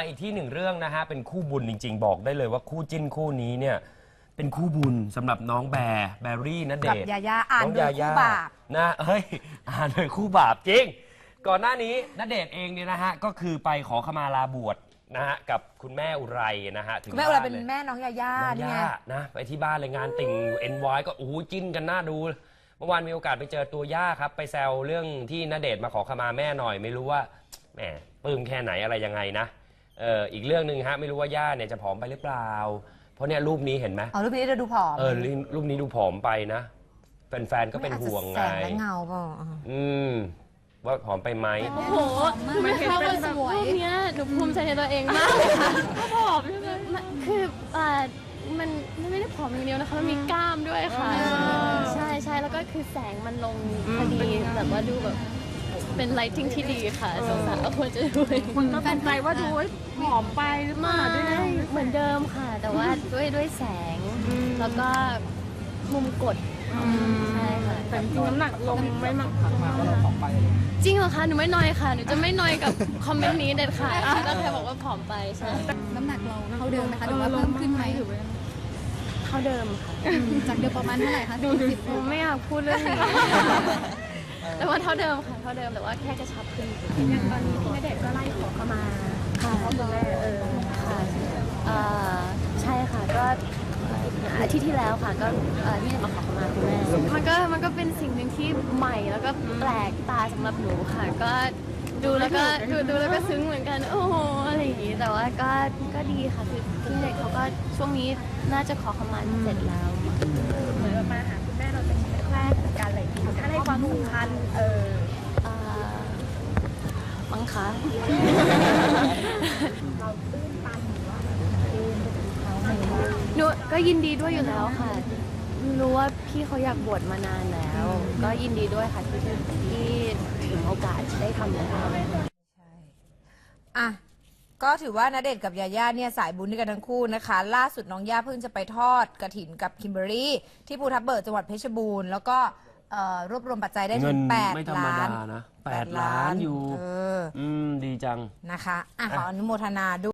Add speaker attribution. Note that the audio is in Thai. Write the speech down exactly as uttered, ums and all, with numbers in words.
Speaker 1: อีกที่หนึ่งเรื่องนะฮะเป็นคู่บุญจริงๆบอกได้เลยว่าคู่จิ้นคู่นี้เนี่ยเป็นคู่บุญสำหรับน้องแบร์แบรี่ณเดชน์
Speaker 2: กับยาย่าอ่านโดยคู่บาป
Speaker 1: นะเฮ้ยอ่านโดยคู่บาปจริงก่อนหน้านี้ณเดชน์เองเนี่ยนะฮะก็คือไปขอขมาลาบวชนะฮะกับคุณแม่อุไรนะฮะถึง
Speaker 2: คุณแม่อุไรเป็นแม่น้องยาย่า
Speaker 1: น้องย่านะไปที่บ้านเลยงานติ่ง เอ็น วาย ก็โอ้โหจิ้นกันน่าดูเมื่อวานมีโอกาสไปเจอตัวย่าครับไปแซวเรื่องที่ณเดชน์มาขอขมาแม่หน่อยไม่รู้ว่าแหมปลื้มแค่ไหนอะไรยังไงนะเอออีกเรื่องหนึ่งฮะไม่รู้ว่าย่าเนี่ยจะผอมไปหรือเปล่าเพราะเนี่ยรูปนี้เห็นไหม
Speaker 2: อ๋อรูปนี้จะดูผอม
Speaker 1: เออรูปนี้ดูผอมไปนะแฟนๆก็เป็นห่วงไง
Speaker 2: แสงและเงาเปล่า
Speaker 1: อืมว่าผอมไปไหม
Speaker 3: โอ้โหมันเข้ามาแบบรูปนี้หนูภูมิใจในตัวเองมากค่ะผอมใช่ไหมคืออ่ามันไม่ได้ผอมอย่างเดียวนะคะมันมีกล้ามด้วยค่ะใช่ใช่แล้วก็คือแสงมันลงพอดีแบบว่าดูแบบเป็นไลท์ติ้งที่ดีค่ะสงสารควรจะดู
Speaker 4: คนก็เป็นใจว่าดูผอมไปหรือเปล่าด้วยนะ
Speaker 3: เหมือนเดิมค่ะแต่ว่าด้วยด้วยแสงแล้วก็มุมกดใช่ค่ะ
Speaker 4: แต่จริงน้ำหนักลงไม่มาก
Speaker 3: จริงเหรอคะหนูไม่น้อยค่ะหนูจะไม่น้อยกับคอมเมนต์นี้เด็ดขาดถ้าใครบอกว่าผอมไปใช่
Speaker 5: น้ำหนักเราเท่าเดิมไหมคะหรือว่าเพิ่มขึ้นไหม
Speaker 3: เท่าเดิมค่ะ
Speaker 5: จากเดิมประมาณเท่าไหร่คะ
Speaker 3: ดูสิบไม่อยากพูดเรื่องนี้แต่ว่าเท่าเดิมค่ะเท่าเดิมแต่ว่าแค่กระชับขึ้น
Speaker 5: อย่างตอนนี้พี่ณเดชน์ก็ไล่ขอขมา
Speaker 3: ค่ะพ่อคุณแม่เออค่ะใช่ค่ะก็อาทิตย์ที่แล้วค่ะก็ที่มาขอขมาคุณแม่มันก็มันก็เป็นสิ่งหนึ่งที่ใหม่แล้วก็แปลกตาสำหรับหนูค่ะก็ดูแล้วก็ดูดูแล้วก็ซึ้งเหมือนกันโอ้โหอะไรอย่างงี้แต่ว่าก็ก็ดีค่ะคือพี่เด็กเขาก็ช่วงนี้น่าจะขอขมาเสร็จแล้ว
Speaker 5: เหมือนมาหาคุณแม่เราเป็นแรกๆการอะไรที่ถ้าให้ความสำคัญเออ
Speaker 3: มั้งคะหนูก็ยินดีด้วยอยู่แล้วค่ะรู้ว่าพี่เขาอยากบวชมานานแล้วก็ยินดีด้วยค่ะที่ที่ถึงโอกาสได้ทำแล้ว
Speaker 2: ใช่อ่ะก็ถือว่าณเดชน์กับยาย่าเนี่ยสายบุญด้วยกันทั้งคู่นะคะล่าสุดน้องย่าเพิ่งจะไปทอดกฐินกับคิมเบอรี่ที่ภูทับเบิกจังหวัดเพชรบูรณ์แล้วก็รวบรวมปัจจัยได้ถึงแปดล้าน
Speaker 1: นะแปดล้านอยู่อืมดีจัง
Speaker 2: นะคะอ่ะขออนุโมทนาด้วย